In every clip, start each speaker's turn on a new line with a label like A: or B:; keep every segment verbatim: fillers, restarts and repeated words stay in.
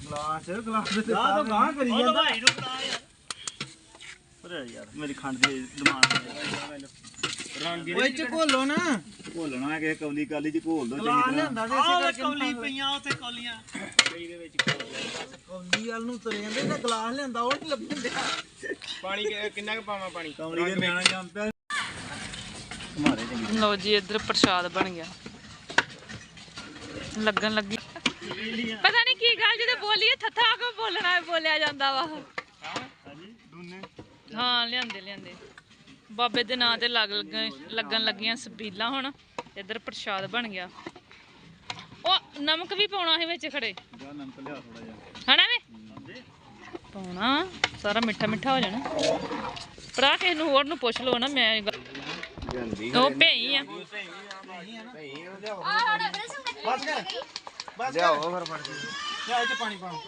A: glass glass ਦੇ ਤਾਂ ਗਾਂ ਕਰੀ ਜਾਂਦਾ ਭਾਈ ਨੂੰ ਬਣਾ ਯਾਰ ਪਰ ਯਾਰ ਮੇਰੀ ਖੰਡ ਦੀ ਦਿਮਾਗ ਰੰਗ ਓਏ ਚ ਘੋਲੋ ਨਾ ਘੋਲਣਾ ਕਿ ਕੌਲੀ ਕਾਲੀ ਚ ਘੋਲ ਦੋ ਚੰਗੀ ਤਰ੍ਹਾਂ ਲਿਆਂਦਾ ਦੇ ਇਸੇ ਕਰਕੇ ਕੌਲੀ ਪਈਆਂ ਉੱਥੇ ਕੌਲੀਆਂ ਕਈ ਦੇ ਵਿੱਚ ਕੌਲੀ ਵਾਲ ਨੂੰ ਤੁਰੇ ਜਾਂਦੇ ਤੇ ਗਲਾਸ ਲਿਆਂਦਾ ਉਹ ਨਹੀਂ ਲੱਭਣ ਪਾਣੀ ਕਿੰਨਾ ਕੁ ਪਾਵਾਂ ਪਾਣੀ ਕੌਲੀ ਦੇ ਨਿਆਣਾ ਜਾਂਦਾ ਮਾਰੇ ਚੰਗੀ
B: ਲਓ ਜੀ ਇੱਧਰ ਪ੍ਰਸ਼ਾਦ ਬਣ ਗਿਆ ਲੱਗਣ ਲੱਗੀ ਪਤਾ ਨਹੀਂ ਕੀ ਗੱਲ ਜਦੋਂ ਬੋਲੀਏ ਥੱਥਾ ਕੋ ਬੋਲਣਾ ਬੋਲਿਆ ਜਾਂਦਾ ਵਾ
A: ਹਾਂਜੀ ਦੋਨੇ
B: ਹਾਂ ਲਿਆਂਦੇ ਲਿਆਂਦੇ ਬਾਬੇ ਦੇ ਨਾਂ ਤੇ ਲੱਗ ਲੱਗਣ ਲੱਗੀਆਂ ਸਬੀਲਾਂ ਹੁਣ ਇੱਧਰ ਪ੍ਰਸ਼ਾਦ ਬਣ ਗਿਆ ਉਹ ਨਮਕ ਵੀ ਪਾਉਣਾ ਸੀ ਵਿੱਚ ਖੜੇ
A: ਜਾ ਨਮਕ ਲਿਆ ਥੋੜਾ ਜਿਹਾ
B: ਹਨਾ ਵੇ ਪਾਉਣਾ ਸਾਰਾ ਮਿੱਠਾ ਮਿੱਠਾ ਹੋ ਜਾਣਾ ਭਰਾ ਕਿਸੇ ਨੂੰ ਹੋਰ ਨੂੰ ਪੁੱਛ ਲਓ ਨਾ ਮੈਂ ਉਹ ਭਈ ਆ
A: ਬਸ ਕਰ ਬਸ ਲਿਆਓ ਫਿਰ ਫੜ ਕੇ ਲਿਆ ਇੱਥੇ ਪਾਣੀ ਪਾਓ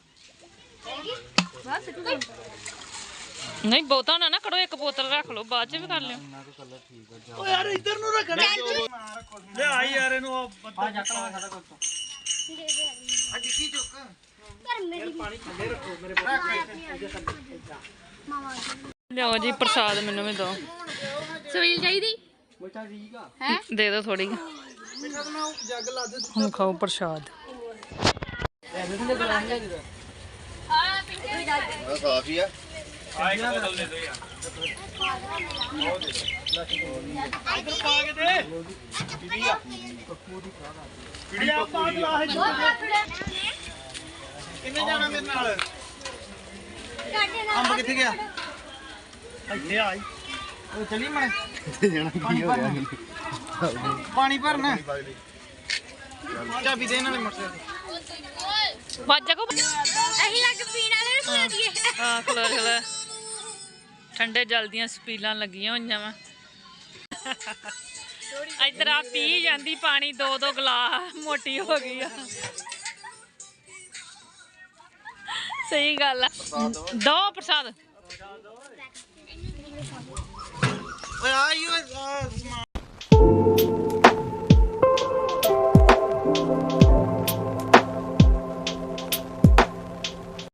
B: ਬਸ ਨਹੀਂ ਬਹੁਤਾ ਨਾ ਨਾ ਕਰੋ ਇੱਕ ਬੋਤਲ ਰੱਖ ਲਓ ਬਾਅਦ ਚ ਵੀ ਕਰ ਲਿਓ
A: ਓ ਯਾਰ ਇੱਧਰ ਨੂੰ ਰੱਖਣਾ ਲਿਆ ਯਾਰ ਇਹਨੂੰ ਆ ਜੱਟ ਲਾ ਸਾਡਾ ਕੋਲ ਤੋਂ ਆ ਡਿੱਗੀ ਚੁੱਕ ਪਰ ਮੇਰੀ ਪਾਣੀ ਥੱਲੇ ਰੱਖੋ ਮੇਰੇ ਕੋਲ
B: ਲਿਆਓ ਜੀ ਪ੍ਰਸਾਦ ਮੈਨੂੰ ਵੀ ਦਿਓ
C: ਸਵੀਲ ਚਾਹੀਦੀ
A: ਮਿੱਠਾ ਠੀਕ ਆ
C: ਹੈ
B: ਦੇ ਦਿਓ ਥੋੜੀ
A: ਮਿੱਠਾ ਤਾਂ ਮੈਂ ਜੱਗ ਲਾ ਦੇ
B: ਹੁਣ ਖਾਓ ਪ੍ਰਸ਼ਾਦ
A: ਐਸੇ ਤੇ ਗਲਾਸ ਲੈ ਦੇ
C: ਆ ਪਿੰਕੇ ਵੀ ਜਾ
A: ਕਾਫੀ ਆ
D: ਆਏ ਬੋਤਲ ਦੇ ਦੋ ਯਾਰ
A: ਇਧਰ ਪਾ ਕੇ ਦੇ ਪੀੜੀ ਆ ਪੀੜੀ ਆ ਪਾ ਗਲਾਸ ਕਿੰਨੇ ਜਾਣਾ ਮੇਰੇ ਨਾਲ ਅੰਬ ਕਿੱਥੇ ਗਿਆ ਇੱਥੇ ਆਈ ਉਹ ਚਲੀ ਮੈਂ ਜਾਣਾ ਕੀ ਹੋ ਗਿਆ ਪਾਣੀ ਭਰਨਾ ਚਾਬੀ ਦੇ ਨਾਲੇ ਮੋਟਰਸਾਈਕਲ
B: ਵਾਜਾ ਕੋ
C: ਅਹੀਂ ਲੱਗ ਪੀਣ ਵਾਲੇ ਨੂੰ ਖਵਾ ਦਈਏ
B: ਹਾਂ ਖਲੋ ਖਲੋ ਠੰਡੇ ਜਲ ਦੀਆਂ ਸਪੀਲਾਂ ਲੱਗੀਆਂ ਹੋਈਆਂ ਵਾ ਇੱਧਰ ਆ ਪੀ ਜਾਂਦੀ ਪਾਣੀ ਦੋ ਦੋ ਗਲਾਸ ਮੋਟੀ ਹੋ ਗਈ ਆ ਸਹੀ ਗੱਲ ਆ ਦੋ ਪ੍ਰਸਾਦ
A: ਓਏ ਆਈ ਓਏ